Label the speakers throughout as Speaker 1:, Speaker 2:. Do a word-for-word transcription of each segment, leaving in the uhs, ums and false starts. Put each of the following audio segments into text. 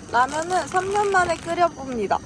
Speaker 1: 라면은 삼 년 만에 끓여봅니다.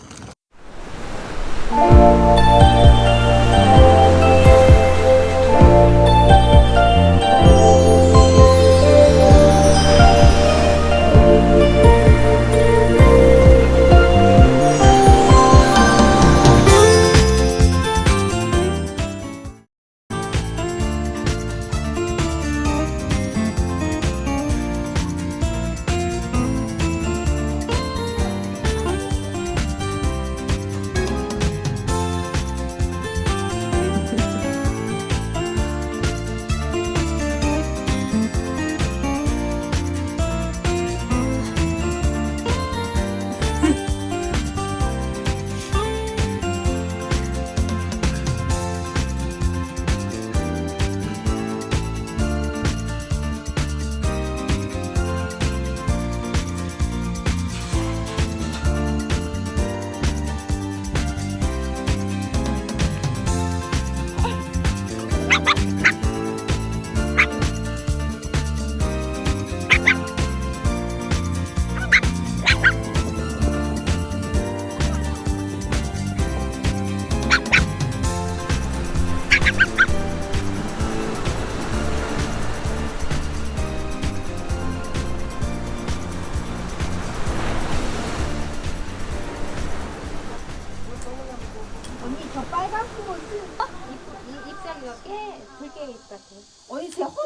Speaker 2: 언니 저 빨간 거 잎사귀가 깨 들깨 잎 같아. 언니 제 허.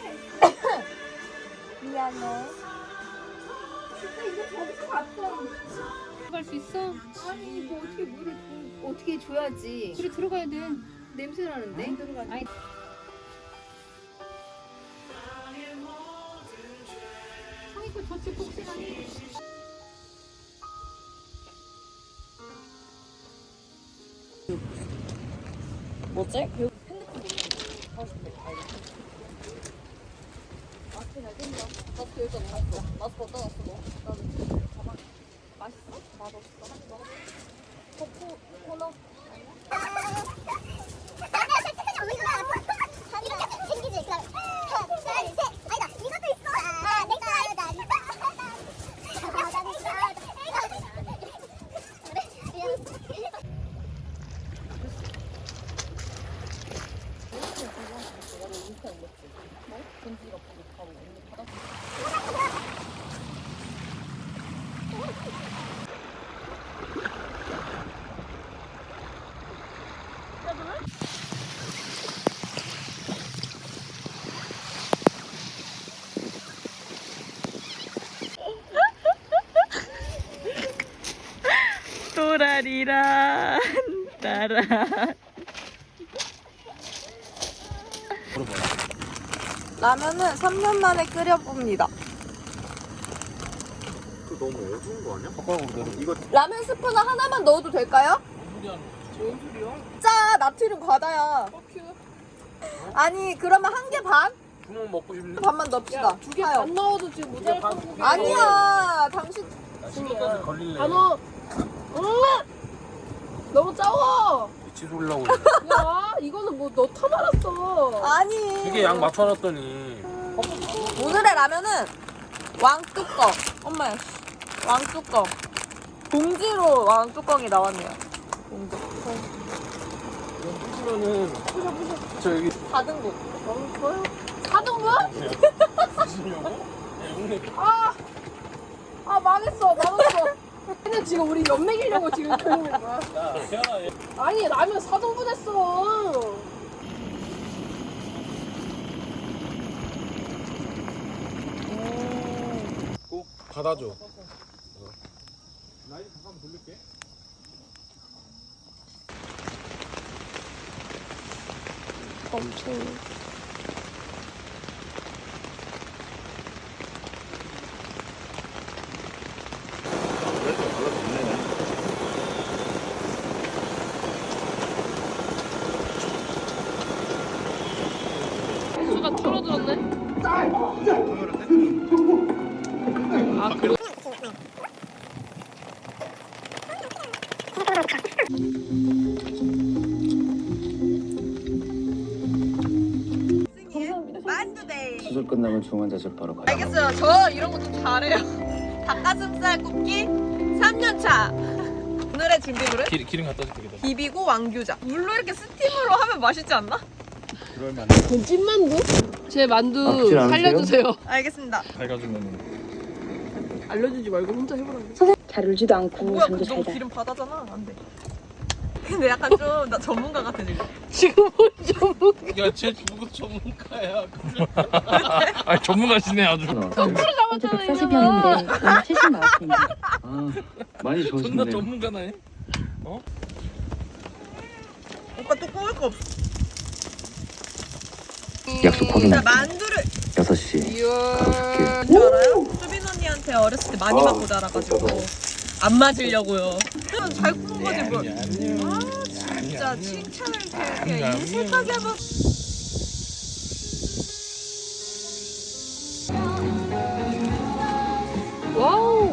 Speaker 2: 미안해. 진짜 이거 저기서 봤던.
Speaker 3: 들어갈 수 있어?
Speaker 2: 아니 이거 어떻게 물을 부- 어떻게 줘야지.
Speaker 3: 그래 들어가야 돼.
Speaker 2: 냄새 나는데.
Speaker 3: 안 들어가. 아니. 성이고 저쪽 복싱하니.
Speaker 1: 뭐지? 그
Speaker 2: 마스크 잘 땡겨. 마스크 여기다 넣었어. 마스크 어디다 놨어 너? 나는 가방. 맛있어? 맛없어? 먹어. 코코 코너.
Speaker 1: 또라리란 따라. 라면은 삼 년 만에 끓여봅니다.
Speaker 4: 그 너무 어두운 거 아니야? 젓가락으로 내려. 이거
Speaker 1: 라면 스프는 하나만 넣어도 될까요?
Speaker 4: 뭔 소리야?
Speaker 1: 짜! 나트륨 과다야. 아니 그러면 한 개 반?
Speaker 4: 구멍 먹고 싶네.
Speaker 1: 반만 넣읍시다.
Speaker 2: 두 개 반 넣어도 지금 모자랄
Speaker 4: 반-
Speaker 2: 거고.
Speaker 1: 아니야 당신
Speaker 4: 신경까지 걸릴래.
Speaker 2: 다 넣어. 너무 짜워.
Speaker 4: 미치 돌라고.
Speaker 2: 야 이거는 뭐 너 타말았어.
Speaker 1: 아니
Speaker 4: 이게 양 맞춰놨더니.
Speaker 1: 오늘의 라면은 왕뚜껑. 엄마야 씨. 왕뚜껑 봉지로 왕뚜껑이 나왔네요. 봉지
Speaker 4: 이건 부시면은. 저 여기
Speaker 1: 닫은 곳.
Speaker 2: 사등분?
Speaker 4: 부시려고? 동네
Speaker 2: 아, 아 망했어, 망했어. 근데 지금 우리 연맥이려고 지금 그러는 거야.
Speaker 4: 야, 태연아, 얘.
Speaker 2: 아니 라면 사등분 했어.
Speaker 4: 꼭 받아줘. 라인 잠깐 돌릴게.
Speaker 1: 엄청.
Speaker 3: 수가 줄어들었네.
Speaker 1: 만두데이.
Speaker 5: 수술 끝나면 중환자실 바로 가요.
Speaker 1: 알겠어요. 저 이런 거 좀 잘해요. 닭가슴살 굽기 삼 년 차. 오늘의 준비물은
Speaker 4: 기, 기름 갖다 줄게. 기다.
Speaker 1: 비비고 왕규자. 물로 이렇게 스팀으로 하면 맛있지 않나?
Speaker 4: 그럴 만해.
Speaker 3: 그건 찐만두? 제 만두
Speaker 5: 아프진 않으세요?
Speaker 3: 살려주세요.
Speaker 1: 알겠습니다.
Speaker 4: 밝아주면
Speaker 3: 알려주지 말고 혼자 해보라고.
Speaker 6: 잘 울지도 않고
Speaker 1: 뭐야,
Speaker 6: 잠도
Speaker 1: 그
Speaker 6: 잘
Speaker 1: 너무
Speaker 6: 자.
Speaker 1: 기름 바다잖아. 안 돼. 근데 약간 좀 나 전문가 같아 지금.
Speaker 3: 지금 좀
Speaker 4: 야쟤 누구 전문가야? 아 전문가시네 아주.
Speaker 6: 어제
Speaker 3: 잡았잖아
Speaker 6: 백사십 병인데 오늘 칠십 나왔습니다.
Speaker 5: 아, 많이
Speaker 4: 존나
Speaker 5: 좋으신데요.
Speaker 4: 전문가네.
Speaker 1: 오빠 또 꼬을 거 없어.
Speaker 5: 약속
Speaker 1: 자
Speaker 5: 확인할게요.
Speaker 1: 만두를
Speaker 5: 여섯 시 가볼게요.
Speaker 1: 줄 알아요? 수빈 언니한테 어렸을 때 많이 맞고 자라가지고 안 맞으려고요. 잘 구운 거지 뭐. 아 진짜 칭찬을 이렇게 이렇게 인색하게 하면.
Speaker 3: 와우.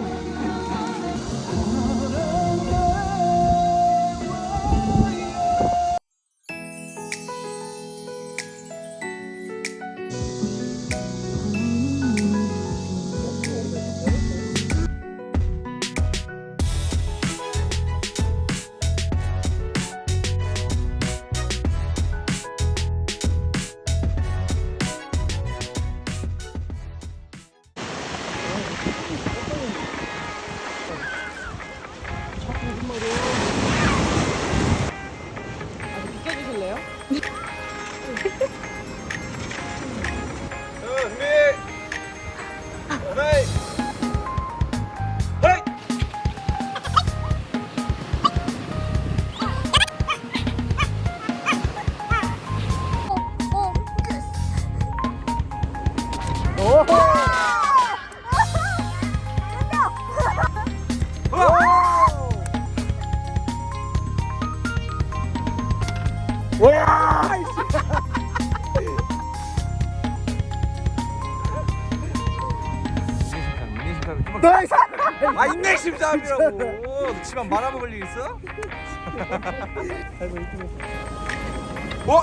Speaker 3: 비켜주실래요?
Speaker 7: 아 인내심 싸움이라고. 너 집안 말아먹을 일 있어? 어?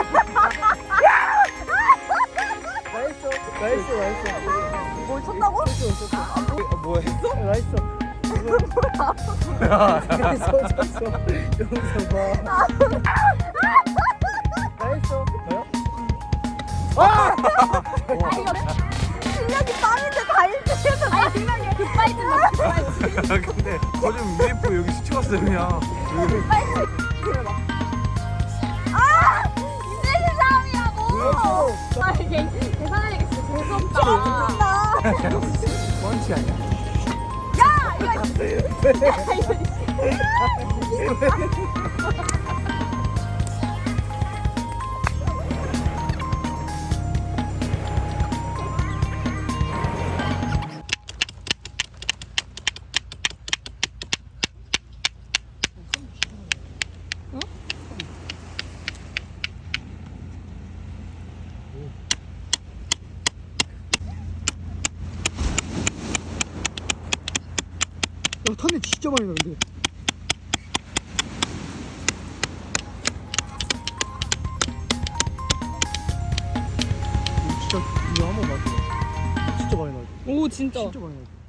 Speaker 1: 뭘 쳤다고?
Speaker 7: 뭐 했어?
Speaker 1: 실력이 빵인데 다 일등해서 나 생각에 급발진 나 급발진.
Speaker 7: 근데 거좀 유에프오 여기 스쳐갔어 그냥.
Speaker 1: 아! 인내심 싸움이라고! 아 이게 계산하니까 진짜 재수없다.
Speaker 7: 펀치 아니야?
Speaker 1: 야! 이거 야 이거
Speaker 7: 야 탄내 진짜 많이 나는데. 진짜 이거 한번 맞아. 진짜 많이 나.
Speaker 3: 오 진짜.
Speaker 7: 진짜 많이 나.